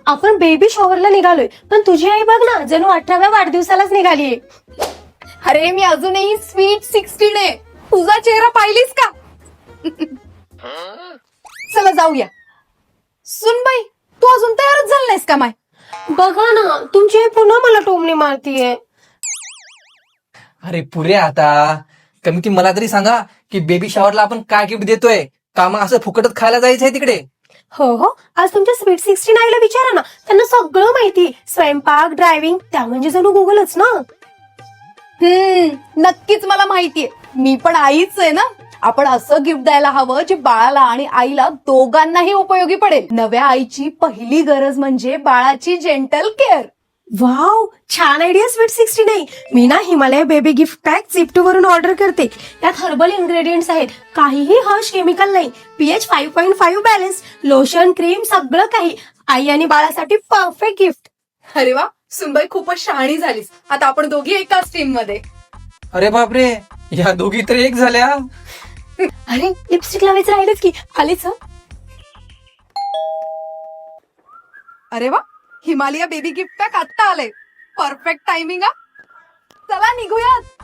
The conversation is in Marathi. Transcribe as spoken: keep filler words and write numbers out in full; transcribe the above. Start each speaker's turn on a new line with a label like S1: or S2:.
S1: आपण बेबी शॉवरला निघालोय, पण तुझी आई बघ ना, जणू अठराव्या वाढदिवसालाच निघालीये.
S2: अरे मी अजूनही स्वीट सिक्स्टीन आहे. तुझा चेहरा पाहिलीस का? चला जाऊया. सुनबाई, तू अजून तयारच झाली नाहीस का माय?
S1: बघा ना, तुमची आई पुन्हा मला टोमणी मारतीये.
S3: अरे पुरे आता कमी ती मला तरी सांगा की बेबी शॉवरला आपण काय गिफ्ट देतोय का, मग असं फुकटच खायला जायचंय तिकडे?
S1: हो हो, आज तुमच्या स्वीट सिक्स्टीन आईला विचारा ना, त्यांना सगळं माहिती. स्वयंपाक, ड्रायव्हिंग, त्या म्हणजे जणू गुगलच ना.
S2: हम्म नक्कीच मला माहितीये. मी पण आईच आहे ना. आपण असं गिफ्ट द्यायला हवं जे बाळाला आणि आईला दोघांनाही उपयोगी पडेल. नव्या आईची पहिली गरज म्हणजे बाळाची जेंटल केअर.
S1: वाव, छान आयडिया स्वीट सिक्स्टीन आई. मी ना Himalaya baby gift pack Zepto वरून ऑर्डर करते. त्यात हर्बल इन्ग्रेडियंट्स आहेत, काहीही हर्ष केमिकल नाही, P H five point five balance, lotion, cream, सगळं काही. आई आणि बाळासाठी परफेक्ट गिफ्ट.
S2: अरे वा, सुनबाई खूपच शहाणी झालीस. आता आपण दोघी एकाच टीम मध्ये.
S3: अरे बापरे, या दोघी तर एक झाल्या.
S1: अरे लिपस्टिक लावायचं राहिलंच की, आलीच हं.
S2: अरे वा, हिमालय बेबी गिफ्ट पॅक आत्ता आलंय. Perfect timing. चला निघूयात.